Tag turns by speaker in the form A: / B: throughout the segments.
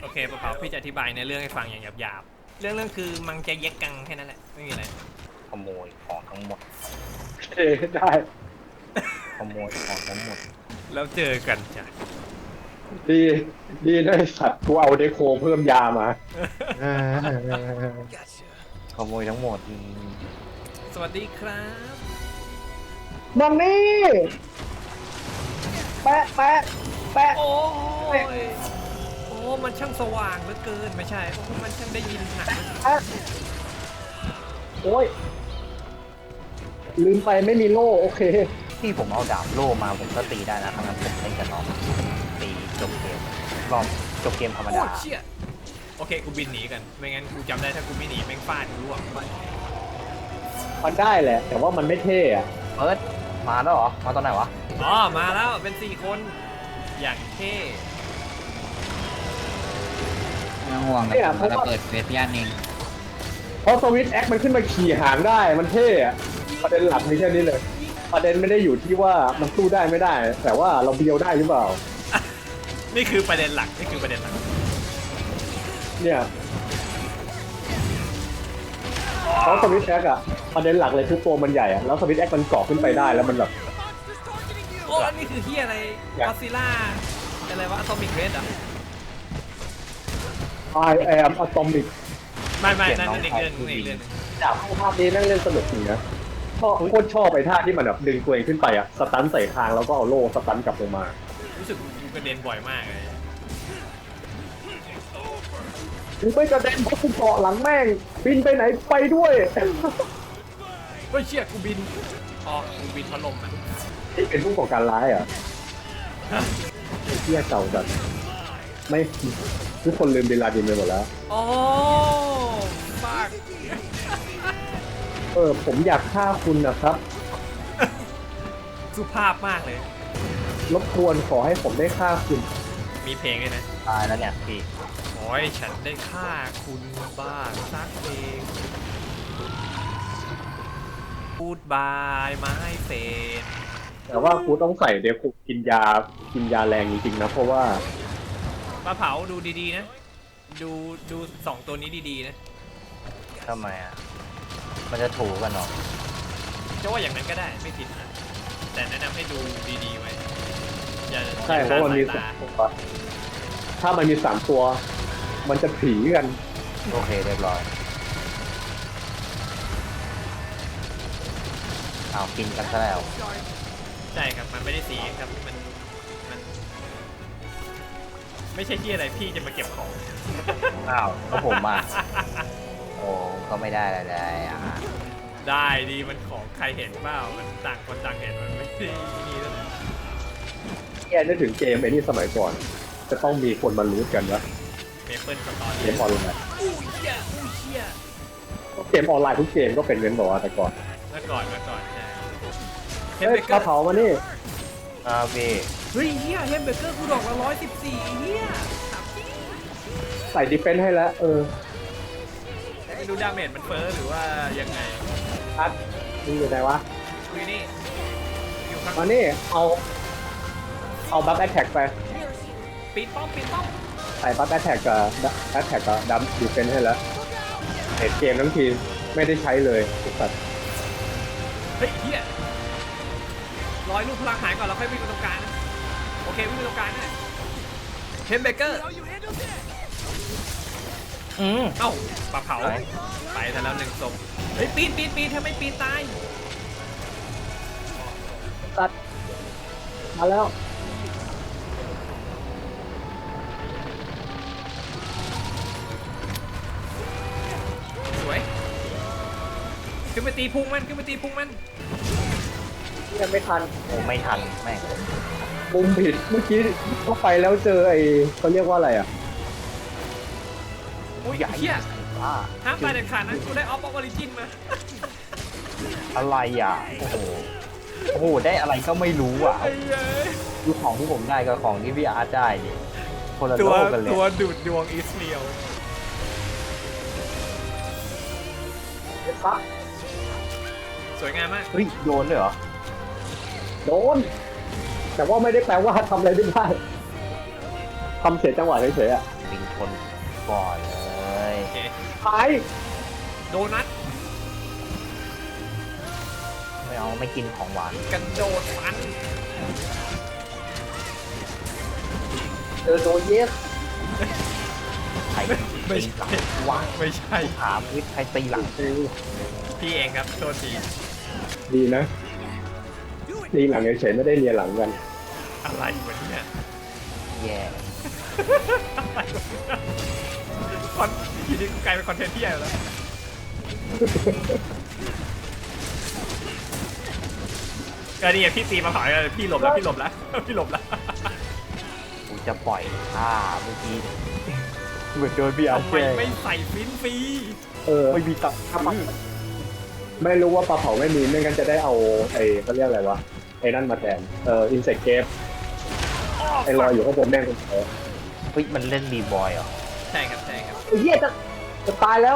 A: เคปะเป๋าพี่จะอธิบายในเรื่องให้ฟังอย่างหยาบๆเรื่องคือมังจะเย็กกังแค่นั้นแหละไม่มีอะไร
B: ขโมยของทั้งหมด
C: เอได้
B: ขโมยของทั้งหมด
A: แล้วเจอกันจ้ะ
C: ดีดีนะไอ้สัตว์กูเอาเดโคเพิ่มยามา
B: ขโมยทั้งหมด
A: สวัสดีครับ
C: มันนี่แปะแปะแปะ
A: โอ้ยโอ้มันช่างสว่างเหลือเกินไม่ใช่โอ้มันช่างได้ยินหนัก
C: แปะโอ้ยลืมไปไม่มีโล่โอเค
B: ที่ผมเอาดาบโล่มาผมก็ตีได้นะทั้งนั้นผมเล่นกับน้องตีจบเกมรอบจบเกมธรรม
A: โอ้
B: ดา
A: เชี่ยโอเคกูบินหนีกันไม่งั้นกูจำได้ถ้ากูไม่หนีแม่งฟาดกูร่วง
C: มันได้แหละ แต่ว่ามันไม่เท่อะ
B: เอิร์ธมาแล้วเหรอมาตอนไหนวะ
A: อ๋อมาแล้วเป็น4 คนอย่างเท่
D: ไม่ต้องห่วงนะผมจะเปิดเฟซย่านเอง
C: เพราะสวิตช์แอคมันขึ้นมาขี่หางได้มันเท่อะประเด็นหลักมีแค่นี้เลย ประเด็นไม่ได้อยู่ที่ว่ามันสู้ได้ไม่ได้ แต่ว่าเราเบียวได้หรือเปล่า
A: นี่คือประเด็นหลักนี่คือประเด็นหลัก
C: เนี่ยเพราะสวิตช์แอคอะประเด็นหลักเลยคือตัวมันใหญ่อะแล้วสวิตช์แอคมันเกาะขึ้นไปได้แล้วมันแบบ
A: โอ้อันนี้คือเฮียอะไรกอซิล่าอะไรวะอะตอมิกเรดอ่ะ
C: I am atomic
A: ไม่นั่นอีกเรื่องนึงอีกเรื่องนึง
C: จากภาพนี้นั่งเล่นสนุกจริงนะชอบโคตรชอบไปท่าที่มันแบบดึงตัวเองขึ้นไปอะสตันใส่คางแล้วก็เอาโล่สตันกลับลงมา
A: รู้สึกกูกระเด็นบ่อยมากเลย
C: กูไม่กระเด็นเพราะกูเกาะหลังแม่งบินไปไหนไปด้วย
A: เฮ้ยเชี่ยกูบินอ๋อกูบินพัดลมอ่ะ
C: ที่เป็นผู้ก่อการร้ายเหรอ่ะเที่ยเก่าจัดไม่ทุกคนลืมบินลาดินไปหมดแล้ว
A: โอ้ฟาก
C: ผมอยากฆ่าคุณนะครับ
A: สุภาพมากเลย
C: รบกวนขอให้ผมได้ฆ่าคุณ
A: มีเพลงด้วยนะ
B: ตายแล้วเนี่ยพี่
A: ขอให้ฉันได้ฆ่าคุณบ้างสักเพลงพูดบายไม้เฟน
C: แต่ว่ากูต้องใส่เดี๋ยวกูกินยาแรงจริงๆนะเพราะว่า
A: ปลาเผาดูดีๆนะดู2 ตัวนี้ดีๆนะ
B: ทำไมอ่ะมันจะถูกกันเนาะ
A: จะว่าอย่างนั้นก็ได้ไม่ผิดนะแต่แนะนำให้ดูดีๆไว้อย่า
C: ใช่เพราะมันมี
A: อย่า
C: สา
A: คลด
C: มตัวถ้ามันมี3 ตัว มันจะผีกัน
B: โอเคเรียบร้อยเอากินกันซะแล้ว
A: ใช่ครับมันไม่ได้สีครับมันไม่ใช่ที่อะไรพี่จะมาเก็บของ
B: อ้าวก็ผมอ่ะโอ้ก็ไม่ได้อะไรเลยอ่ะ
A: ได้ดีมันของใครเห็นเปล่ามันต่างคนต่างเห็นมันไม่ได้นี่แล้วนะ
C: แกนึกถึงเกมไอ้นี่สมัยก่อน จะต้องมีคนมารู้กันว่า
A: เมเปิลสตอรี่
C: เกมออนไลน์
A: อู้เชี่ย
C: เกมออนไลน์ทุกเกมก็เป็นเงินบอกว่าแต่ก่อน
A: เมื่อก่อนใช่เฮม
C: เฮ้
A: เบ
C: ย
A: เก
C: ก
A: อ
C: ระ
A: ร์
C: เผามานี่
B: พี่
A: เฮ้ยเฮียเฮมเบเกอร์กูดอกละ114เฮียถามจริง
C: ใส่ดิเฟนส์ให้แล้ว
A: ไม่รู้ดาเมจมันเฟ้อหรือว่ายังไง
C: อัดมึงอยู่ไหนวะ
A: คุยนี่อยู่ข้าง
C: มานี่เอาบัฟแอทแท็กไป
A: ปีนป้อม
C: ใส่บัฟแอทแท็กกับแอทแท็กกับดัมดิเฟนส์ให้แล้วเห็นเกมทั้งทีไม่ได้ใช้เลยทุกสัตว์
A: เฮ้ยเฮียรอยลูกพลังหายก่อนแล้วค่อยวิ่งไปตรงกลางนะโอเควิ่งไปตรงกลางนะเฮมเบเกอร์เอ้าปลาเผาไปซะแล้ว1 ศพเฮ้ยปีนทำไมปีนตาย
C: ตัดมาแล้ว
A: สวยขึ้นไปตีพุงมัน
C: ยังไม่ทัน
B: โอ้ไม่ทันแม่ง
C: มุมผิดเมื่อกี้เข้าไปแล้วเจอไอ้เขาเรียกว่าอะไรอ่ะ
A: อุ้ยเฮีย
B: ว่า
A: ห้ามตายเด็ดขาดนะกูได้ออฟออริจินมา
B: อะไรอ่ะโอ้โหได้อะไรก็ไม่รู้อ่ะ
A: ไอ้เย้ย
B: ดูของที่ผมได้กับของที่พี่อาร์ตได้ดิคนละ
A: ตั
B: โล
A: ว
B: กกันเลย
A: ตัวดูดดวงอิสเรียล
C: ปั๊บ
A: สวยงามมาก
B: เฮ้ยโดนเลยเหรอ
C: โดน แต่ว่าไม่ได้แปลว่าทำอะไรไม่ได้ทำเสียจังหวะเฉยๆอ่ะ
B: บิงทูคนก่อนเลย
A: โอเค
C: ตาย
A: โดนัท
B: ไม่เอาไม่กินของหวาน
A: กระโดดฟัน
C: เจอโดเยส
B: ใคร
A: ไม่
B: ตี
A: ใช่
B: หลังวะ
A: ไม่ใช่
B: ถามวิทย์ใครตีหลัง
A: พี่เองครับโทษที
C: ดีนะดีหลังเฉยๆไม่ได้เรียนหลังกัน
A: อะไรวะเนี่ย
B: แย่
A: อะไรวะเนี่ยคอนทีนี้กูกลายเป็นคอนเทนต์ที่ใหญ่แล้วก็นี่ไงพี่ตีมาเผาเลยพี่หลบแล้วพี่หลบแล้วพี่หลบแล้ว
B: กูจะปล่อยท่าเมื่อกี้เหมือนโดนพี่อา
A: ทำไม
B: เช่
A: ไม่ใส่ฟินฟรี
B: ไม่มีตังค์
C: ไม่รู้ว่าปลาเผาไม่มีไม่งั้นจะได้เอาไอ้เขาเรียกอะไรวะไอ้นั่นมาแทนอินเสกเกฟไอ้รอยอยู่ข้างบนแม่งคนเออ
B: เฮ้ยมันเล่นบีบอยเหรอ
A: ใช่ครับใช่ครับ
C: ไอ้เหี้ยจะตายแล้ว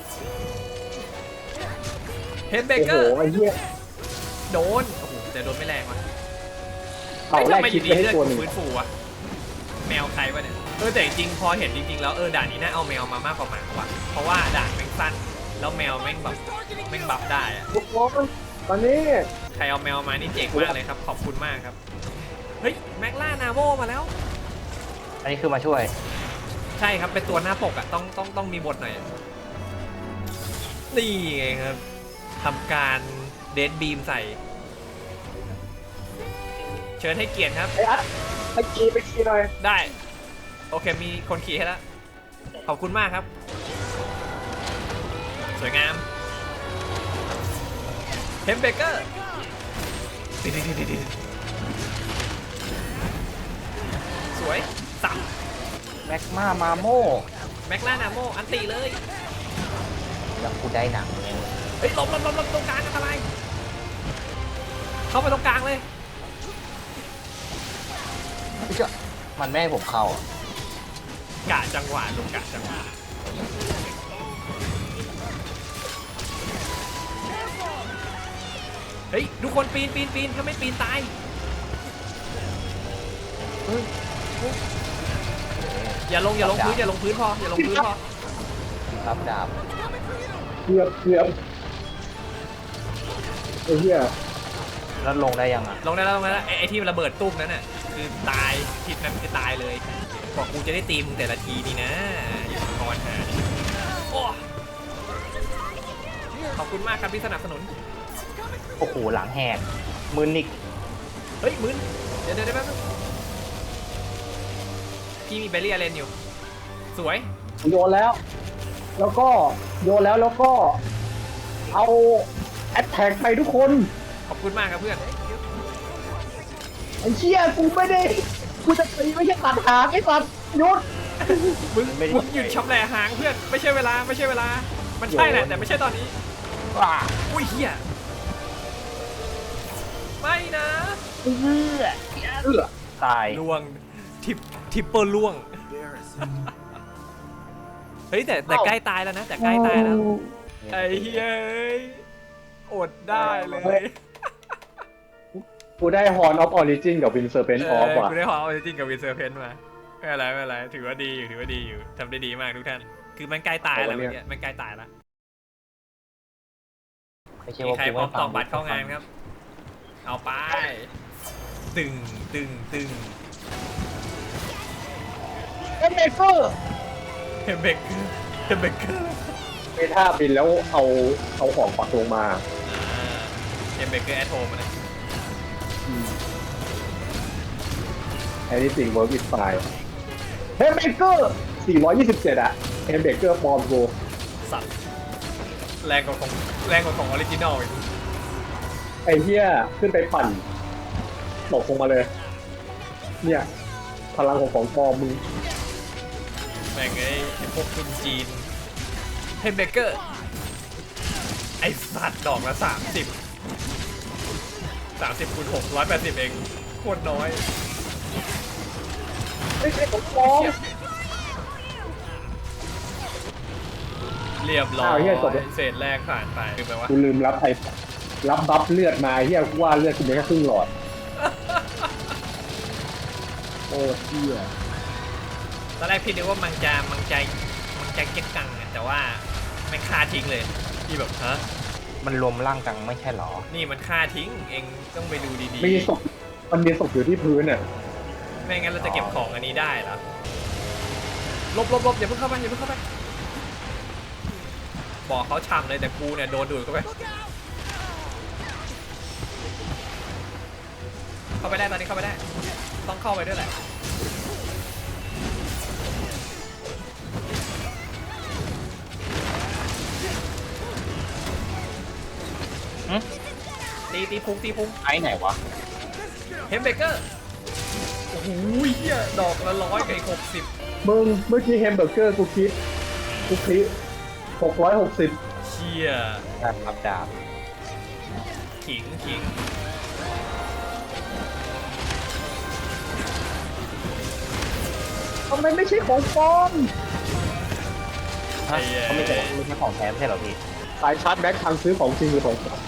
A: เฮดเบ
C: โอ้
A: เก
C: โห
A: อร์
C: ไอ้เหี้ย
A: โดนโอ้โหแต่โดนไม่แรงว่ะ
C: เต่าแรก
A: ไม่
C: คิด
A: ดี
C: ไปให้
A: เลือด
C: ตัว
A: กู
C: หนึ่ง
A: ฟื้นฟูวะแมวใครวะเนี่ยแต่จริงๆพอเห็นจริงๆแล้วด่านนี้น่าเอาแมวมามากกว่าหมาว่ะเพราะว่าด่านแม่งสั้นแล้วแมวแม่งแบบแม่งบัฟได้อะ
C: ทุกคนตอนนี้
A: ใครเอาแมวมานี่เจ๋งมากเลยครับขอบคุณมากครับเฮ้ยแม็กล่านาโมมาแล้ว
B: อันนี้คือมาช่วย
A: ใช่ครับเป็นตัวหน้าปกอ่ะต้องมีบทหน่อยนี่ไงครับทำการเดดบีมใส่ เชิญให้เกียรติครับ
C: ไอ้อัดไปขี่หน่อย
A: ได้ โอเคมีคนขี่ให้แล้ว ขอบคุณมากครับ สวยงามเฮมเบเกอร์สวยสับ
B: แม็กมามาโม
A: แม็กล่านาโมอันติเลย
B: แล้วกูได้หนังเลย
A: เฮ้ยหลบตรงกลางอันตรายเข้าไปตรงกลางเลย
B: มันไม่ให้ผมเข้าอ่ะ
A: กะจังหวะลูกกะจังหวะเฮ้ยทุกคนปีนถ้าไม่ปีนตายอย่าลงพื้นอย่าลงพื้นพออย่าลงพื้นพอ
B: ครับดาบ
C: เกือบไอ้เหี้ย
B: แล้วลงได้ยังอ่ะ
A: ลงได้แล้วไอ้ที่มันระเบิดตุ้มนั้นน่ะคือตายทิศนั้นคือตายเลยบอกกูจะได้ตีมึงแต่ละทีนี่นะอย่าทอนหาโอ้ขอบคุณมากครับที่สนับสนุน
B: โอ้โหหลังแหกมือนิก
A: เฮ้ยมึนเดี๋ยวแป๊บนึงพี่มีเบลลี่อาเลนอยู่ สวย
C: โยนแล้ว แล้วก็เอาแอตแทกไปทุกคน
A: ขอบคุณมากครับเพื่อน
C: ไอ้เชี่ยกูจะตีไม่ใช่ตัดหางไอ้สัตว์หยุด
A: มึงหยุดชำแหละหางเพื่อนไม่ใช่เวลามันใช่แหละแต่ไม่ใช่ตอนนี้
B: ว้า
A: อุ้ยเฮียไม่นะ
C: เอื้อ
B: ตาย
A: ล่วงทิปเปอร์ล่วงเฮ้ยแต่ใกล้ตายแล้วนะแต่ใกล้ตายแล้วไอ้เฮ้ยอดได้เลย
C: กูได้ฮอนออฟออริจินกับวินเซอร์เพนออฟว่ะ
A: กูได้หอเอาจริงกับวินเซอร์เพนมาไม่เป็นไรถือว่าดีอยู่ทำได้ดีมากทุกท่านคือมันใกล้ตายแล้วเมื่อกี้มันใกล้ตายแล้ว
B: ไม่ใช่
A: มี
B: ว่า
A: ใคร
B: กู
A: พร้อ
B: ไม่
A: ม
B: ฟั
A: ตอกบัตรเข้างานครับ เอาไป ตึง
C: เอ็มเบเกอร์
A: เฮมเบเกอร์
C: ไปท่าบินแล้วเอาของปักลงมา
A: เฮมเบเกอร์แอทโฮมนะ
C: แอนิสิ่งเวิร์กอิสไฟเฮมเบเกอร์427อะเฮมเบเกอร์ปลอมกู
A: สัตว์แรงกว่าของออริจินอลอีก
C: ไอ้เหี้ยขึ้นไปปั่นตกลงมาเลย เนี่ยพลังของปลอมมึง
A: แม่งไอ้พวกคนจีนเฮมเบเกอร์ไอ้สัตว์ดอกละ30คูณ6 180เองโคตรน้อย
C: ไม่ใช่ของปลอม
A: เรียบร้อ
C: อ้าวย เหี้ยจบแล้ว
A: เศษแรกผ่านไปคือแปลว่า
C: กูลืมรับบัฟเลือดมาเหี้ยกูว่าเลือดกูมีแค่ครึ่งหลอด โอ้เหี้ย
A: ตอนแรกพี่นึกว่ามันจะเก็บกังอะแต่ว่ามันฆ่าทิ้งเลยพี่แบบฮะ
B: มันรวมร่างกังไม่ใช่หรอ
A: นี่มันฆ่าทิ้งเองต้องไปดูดี
C: มีศพมันมีศพอยู่ที่พื้นอ่ะ
A: ๆไม่งั้นเราจะเก็บของอันนี้ได้เหรอลบอย่าเพิ่งเข้าไปอย่าเพิ่งเข้าไปบอกเขาช่ำเลยแต่กูเนี่ยโดนดูดเข้าไปได้ตอนนี้เข้าไปได้ต้องเข้าไปด้วยแหละตีพุง
B: ไอ้ไหนวะ
A: เฮมเบเกอร์โอ้โหเหี้ยดอกละ100กับอีก60
C: มึงเมื่อกี้แฮมเบอร์เกอร์กูคิด660
A: เชี่ย
B: การรับดาบ
A: ขิง
C: ทำไมไม่ใช่ของปลอม
B: ฮะเขาไม่ใช่ของแท้ไม่ใช่เหรอพี่
C: สายชาร์จแบ็คทางซื้อของจริงหรือของปลอม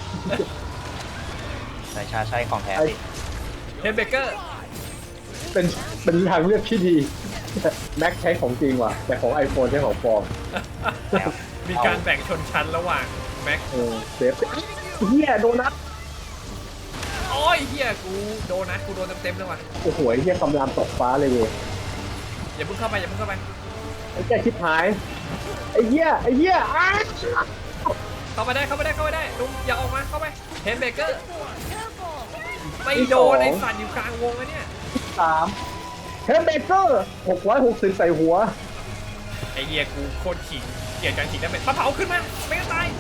B: สายชาร์จใช่ของแท้พี่
A: เฮมเบเกอร์
C: เป็นทางเลือกที่ดีแม็กใช้ของจริงว่ะแต่ของ iPhone ใช้ของปลอม
B: แล้ว
A: มีการแบ่งชนชั้นระหว่างแม็ก
C: เซฟเฮียโดนัท
A: โอ้ยเฮียกูโดนเต็มเลยว่ะ
C: โอ้โหไอ้เฮียกำลังตกฟ้าเลยเว้ย
A: อย่าเพิ่งเข้าไป
C: ไอ้แกชิบหายไอ้เฮียอ้า
A: เข้าไปได้ลุงอย่าออกมาเข้าไปเฮมเบเกอร์ไม่โดนไอ้สัตว์อยู่กลางวงอะเนี่ย
C: 3เฮมเบเกอร์660ใส่หัว
A: ไอ้เฮียกูโคตรขิงเกลียดการขิงได้เป็นปลาเผาขึ้นมาไม่งั้นตาย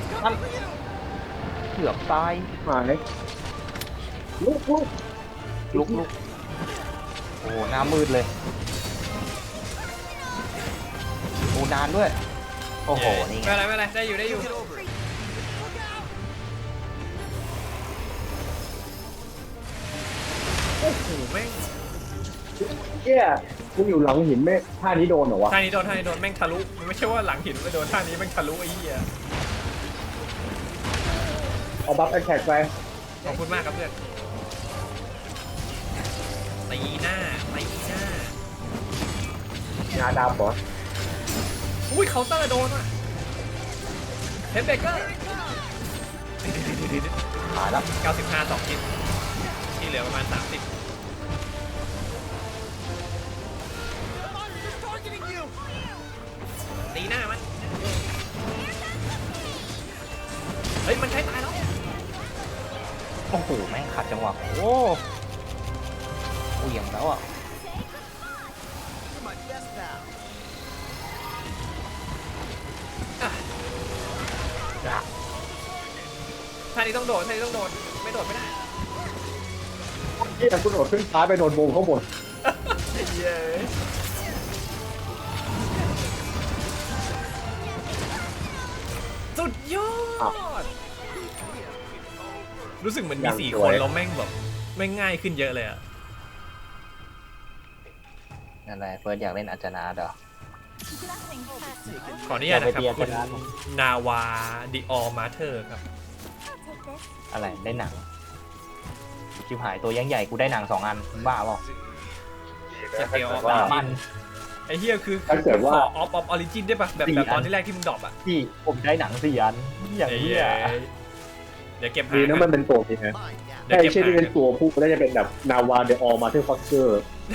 B: เกือบตาย
C: หายลุก
B: ลุกโอ้หน้ามืดเลยโอ้นานด้วยโอ้โหนี่ไง
A: ไม่เป็นไรได้อยู่โอ้โหแม่ง
C: เฮียมึงอยู่หลังหินแม่ท่านี้โดนเหรอวะ
A: ท่านี้โดนแม่งทะลุมันไม่ใช่ว่าหลังหินไปโดนท่านี้แม่งทะลุไอ้เหี้ย
C: เอาบัฟแอคแท็กไป
A: ขอบคุณมากครับเพื่อนตีหน้าง
C: าดำเหรอ
A: อุ้ยเคาน์เตอร์โดนว่ะเฮมเบเกอร์
B: หายแล้ว
A: 95 2 ชิ้นที่เหลือประมาณ 30ตีหน้ามันเฮ้ยมันใช้ตายแล้ว
B: โอ้โหแม่งขัดจังหวะโอ้เหวี่ยงแล้วอ่ะ
A: ท่านี้ต้องโดดไม่โดดไม่ได้
C: เฮียคุณโดดขึ้นซ้ายไปโดนวงข้างบน
A: เย้สุดยอดรู้สึกเหมือนมี4 คนแล้วแม่งแบบแม่งง่ายขึ้นเยอะเลยอะ
B: นั่นแหละเฟิร์สอยากเล่นอาจารย์เหรอ
A: ขออนุญาตนะครับ
B: อย่าไป
A: คุณ
B: เบียดกันนะ
A: นาวาดิออมาเธอร์ครับ
B: อะไรได้หนังชิบหายตัวยังใหญ่กูได้หนัง2 อันบ้าเปล่า
A: จะเตียวออฟ
B: ว่า
A: ออริจินไอ้เฮียคือ
C: ถ้าเกิดว่า
A: ขอออฟออริจินได้ปะแบบตอนที่แรกที่มึงดรอปอะ
B: ที่ผมได้หนัง4 อันอย่างนี้อ่ะ
A: เดี๋ยวเก็บ
C: ดีนะมันเป็นตัวพี่นะ
A: เดี๋ยว
C: ไอ้
A: เก็บ
C: เช่นที่เป็น
A: หา
C: ตัวผู้ก็จะเป็นแบบนาวาเดออมาเทอร์ฟอสเกอร์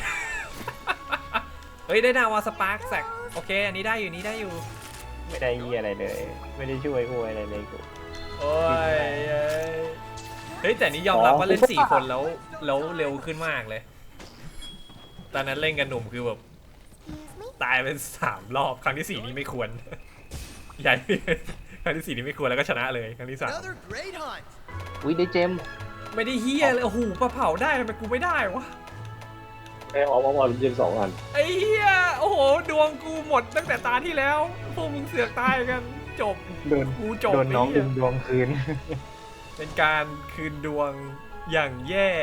A: เฮ้ยได้นาวาสปาร์คแซกโอเคอันนี้ได้อยู่
B: ไม่ได้ยี่อะไรเลย ไม่ได้ช่วยกูอะไรเลยกู
A: โอ้ยเฮ้ยแต่นี่ยอมรับว่าเล่น4 คนแล้วเร็วขึ้นมากเลยตอนนั้นเล่นกันหนุ่มคือแบบตายเป็น3 รอบครั้งที่ 4นี่ไม่ควรใหญ่ ครั้งที่ 4นี่ไม่ควรแล้วก็ชนะเลยครั้งที่
B: อุ้ยได้เจม
A: 3ไม่ได้เฮียเลยโอ้โหปลาเผาได้ทำไมกูไม่ได้วะ
C: ไอ้ออฟยิง2 อัน
A: ไอ้เฮียโอ้โหดวงกูหมดตั้งแต่ตาที่แล้วพวกมึงเสือกตายกันจบ
B: โดน
A: กูจบ
B: โดนน้อง
A: ไเหี้
B: ดึ
A: ย
B: งดวงคืน
A: เป็นการคืนดวงอย่างแย่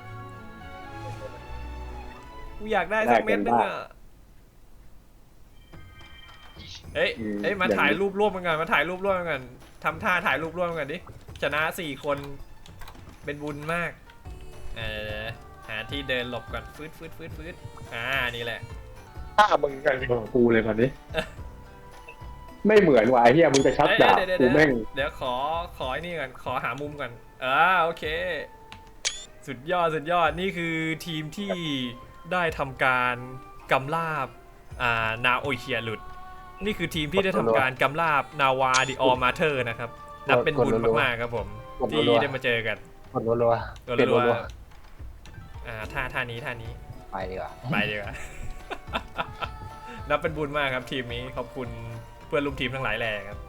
A: กูอยากได้สักเม็ดนึงอ่ะเอ้ยมาถ่ายรูปร่วมกันทำท่าถ่ายรูปร่วมกันดิชนะ4 คนเป็นบุญมากหาที่เดินหลบก่อนฟืดนี่แหละ
C: ถ้ามึงกันกูเลยตอนนี้ ไม่เหมือนว่ะไอ้เหี้ยมึงจะชักดาบ
A: เดี๋ยว
C: กูแม่ง
A: เดี๋ยวขอไอ้นี่ก่อนขอหามุมก่อนโอเค สุดยอดนี่คือทีมที่ได้ทำการกำราบนาโอเชียหลุด นี่คือทีมที่ได้ทำการกำราบนาวาดิออมาเธอร์นะครับนับเป็นบุญมากๆครับผมที่ได้มาเจอกัน
B: กดรัวๆเปลี่ยนรัว
A: ท่านี้
B: ๆไปดีกว่า
A: ไปดีกว่า นับเป็นบุญมากครับทีมนี้ขอบคุณเพื่อนร่วมทีมทั้งหลายแหล่ครับ